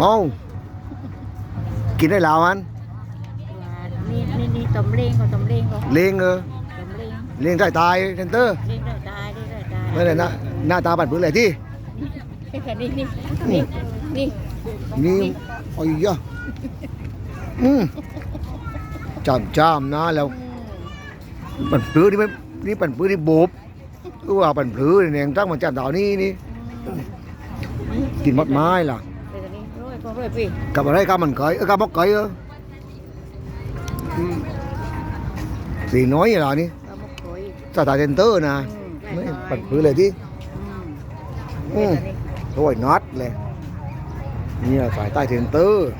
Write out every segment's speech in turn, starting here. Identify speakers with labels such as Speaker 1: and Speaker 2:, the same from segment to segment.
Speaker 1: เอากินได้แล้วมัน
Speaker 2: นี่ต้มเล้งก็ต้มเล้งก็
Speaker 1: เลี้ยง
Speaker 2: ต้มเล้ง
Speaker 1: เลี้ยงได้ตายเซนเตอร์
Speaker 2: เล้งได้ตายได้ตาย
Speaker 1: ไม่เลยนะหน้าตาบัดพื้นเลยที่
Speaker 2: นี่
Speaker 1: นี่โอ้ยยะจำนะแล้วปั่นพื้นนี่ไม่นี่ปั่นพื้นนี่โบบคือว่าปั่นพื้นเนี่ยตั้งมันจำดาวนี่กินมดไม้ล่ะกับอะไรกับมันเกยกับมกเกยสีน้อยอย่างนี้สตาร์เซนเตอร์นะไม่ปั่นพื้นเลยที่โอ้ยน็อตเลยนี่สายใต้เซนเตอร์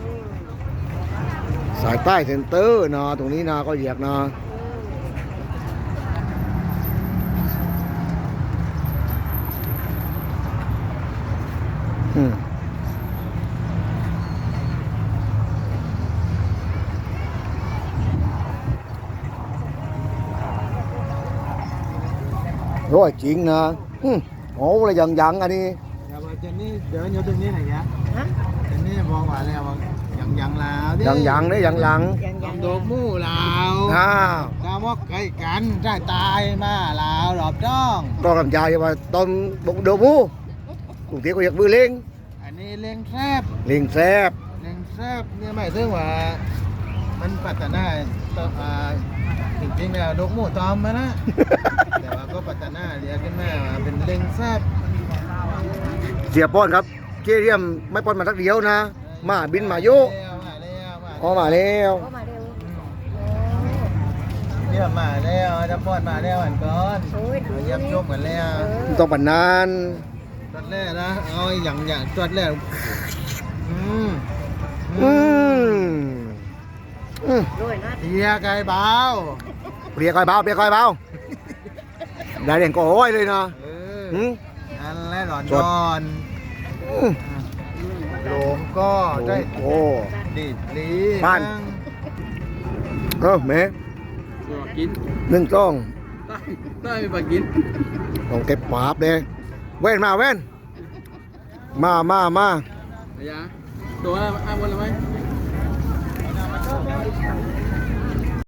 Speaker 1: สายใต้เซนเตอร์นะตรงนี้นะก็เหยียกนะร้อยจริงนะโอ้อะไรยังอันนี้
Speaker 3: เดี๋ยวเจนนี่เดี๋ยวอยู่ตรงนี้ไหนยะเจนนี่บอกว่าแล้วยังลาวดิ
Speaker 1: ยังเนี่ยยัง
Speaker 3: โดมู่ลาวกามอกไก่กันได้ตายมาลาวหลอบจ้อง
Speaker 1: ต้องlàm dài mà tôm bụng đồ mu cùng tiếng của việc vừa lên
Speaker 3: อันนี้เลี้ยงแซบเนี่ยหมายถึงว่ามันพัฒนาจริงๆเนี่ยดกหมูตอมมานะแต่ว่าก็พัฒนาเรียกขึ้นมาเป็นเลี้ยงแซบ
Speaker 1: เสียป้อนครับเจียมไม่ป้อนมาทักเดียวนะมาบินมาโยมาแล้ว
Speaker 3: เยี่ยมมาแล้วจะป้อนมาแล้วอันก่อนเยี่ยมชมกันแล้ว
Speaker 1: ต้องปั่นนาน
Speaker 3: จดแรกนะเอาอย่างจดแรกเฮียไก่เบา
Speaker 1: เปียกอยเบาได้เด่นก็โอ้ยเลยนะ
Speaker 3: นั่นแหละหลอนจอนหลงก็ได้
Speaker 1: โอ้
Speaker 3: ดีลี
Speaker 1: บ้านแม่
Speaker 3: กิน
Speaker 1: 1 ต้อง
Speaker 3: ได้ไปกิน
Speaker 1: ต้องเก็บปาบเลยเว้นมามา
Speaker 3: ตัวอ้างวันละไหม